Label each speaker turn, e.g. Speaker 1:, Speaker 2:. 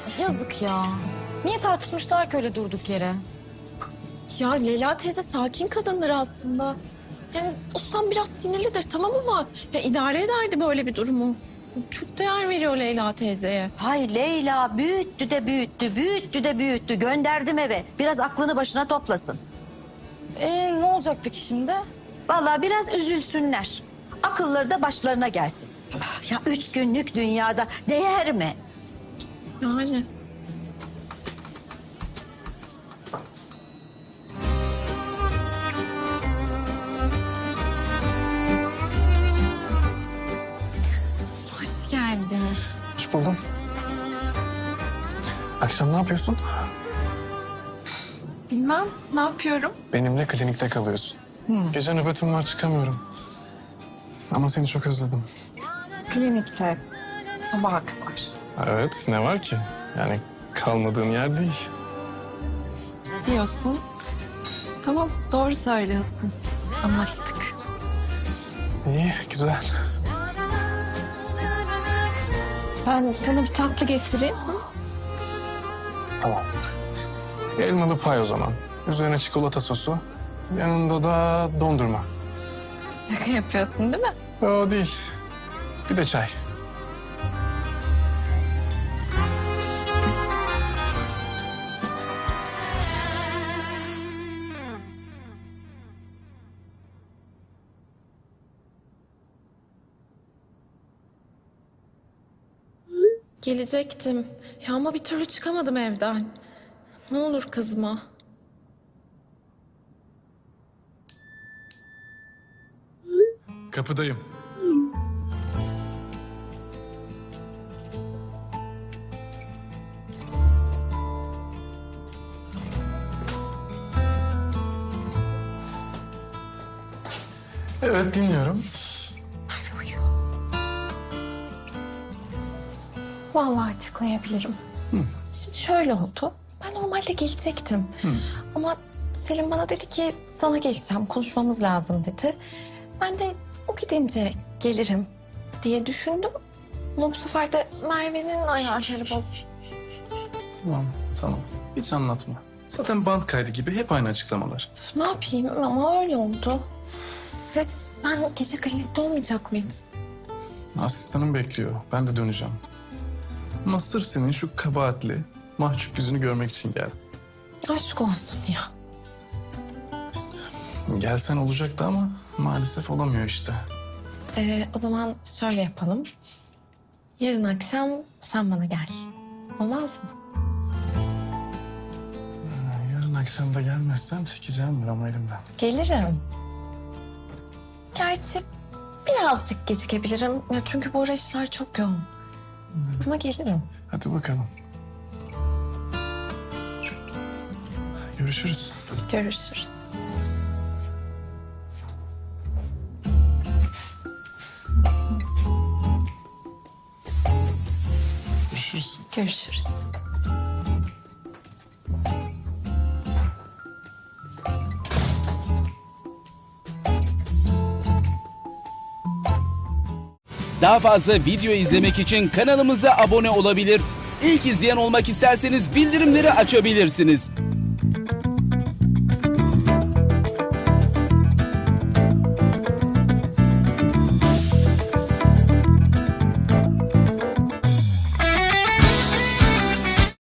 Speaker 1: Yazık ya. Niye tartışmışlar ki öyle durduk yere?
Speaker 2: Ya Leyla teyze sakin kadındır aslında. Yani ustam biraz sinirlidir tamam ama ya idare ederdi böyle bir durumu. Çok değer veriyor Leyla teyzeye.
Speaker 3: Hay Leyla büyüttü de büyüttü, büyüttü de büyüttü. Gönderdim eve. Biraz aklını başına toplasın.
Speaker 1: Ne olacak peki şimdi?
Speaker 3: Vallahi biraz üzülsünler. Akılları da başlarına gelsin. Ya 3 günlük dünyada değer mi?
Speaker 2: Yani. Hoş geldin.
Speaker 4: Hoş buldum. Akşam ne yapıyorsun?
Speaker 2: Bilmem ne yapıyorum?
Speaker 4: Benimle klinikte kalıyorsun. Gece nöbetim var çıkamıyorum. Ama seni çok özledim.
Speaker 2: Klinikte. Sabaha kadar.
Speaker 4: Evet ne var ki? Yani kalmadığın yer değil.
Speaker 2: Diyorsun. Tamam doğru söylüyorsun. Anlaştık.
Speaker 4: İyi güzel.
Speaker 2: Ben sana bir tatlı getireyim. Hı?
Speaker 4: Tamam. Elmalı pay o zaman. Üzerine çikolata sosu. Yanında da dondurma.
Speaker 2: Şaka yapıyorsun değil mi?
Speaker 4: O değil. Bir de çay.
Speaker 2: Gelecektim. Ya ama bir türlü çıkamadım evden. Ne olur kızma.
Speaker 4: Kapıdayım. Evet dinliyorum.
Speaker 2: Vallahi açıklayabilirim.
Speaker 4: Hı.
Speaker 2: Şimdi şöyle oldu. Ben normalde gelecektim.
Speaker 4: Hı.
Speaker 2: Ama Selim bana dedi ki sana geleceğim konuşmamız lazım dedi. Ben de o gidince gelirim diye düşündüm. Ama bu sefer de Merve'nin ayarları bozuldu.
Speaker 4: Tamam. Hiç anlatma. Zaten band kaydı gibi hep aynı açıklamalar.
Speaker 2: Ne yapayım ama öyle oldu. Ve sen gece klinikte olmayacak mıydın?
Speaker 4: Asistanım bekliyor. Ben de döneceğim. Ama sırf senin şu kabahatli, mahcup yüzünü görmek için geldim.
Speaker 2: Aşk olsun ya.
Speaker 4: Gelsen olacaktı ama maalesef olamıyor işte.
Speaker 2: O zaman şöyle yapalım. Yarın akşam sen bana gel. Olmaz mı?
Speaker 4: Yarın akşam da gelmezsen çekeceğim ama elimden.
Speaker 2: Gelirim. Gerçi birazcık gecikebilirim. Ya çünkü bu ara işler çok yoğun. Ama gelirim.
Speaker 4: Hadi bakalım. Görüşürüz.
Speaker 2: Görüşürüz.
Speaker 4: Görüşürüz.
Speaker 2: Görüşürüz.
Speaker 5: Daha fazla video izlemek için kanalımıza abone olabilir. İlk izleyen olmak isterseniz bildirimleri açabilirsiniz.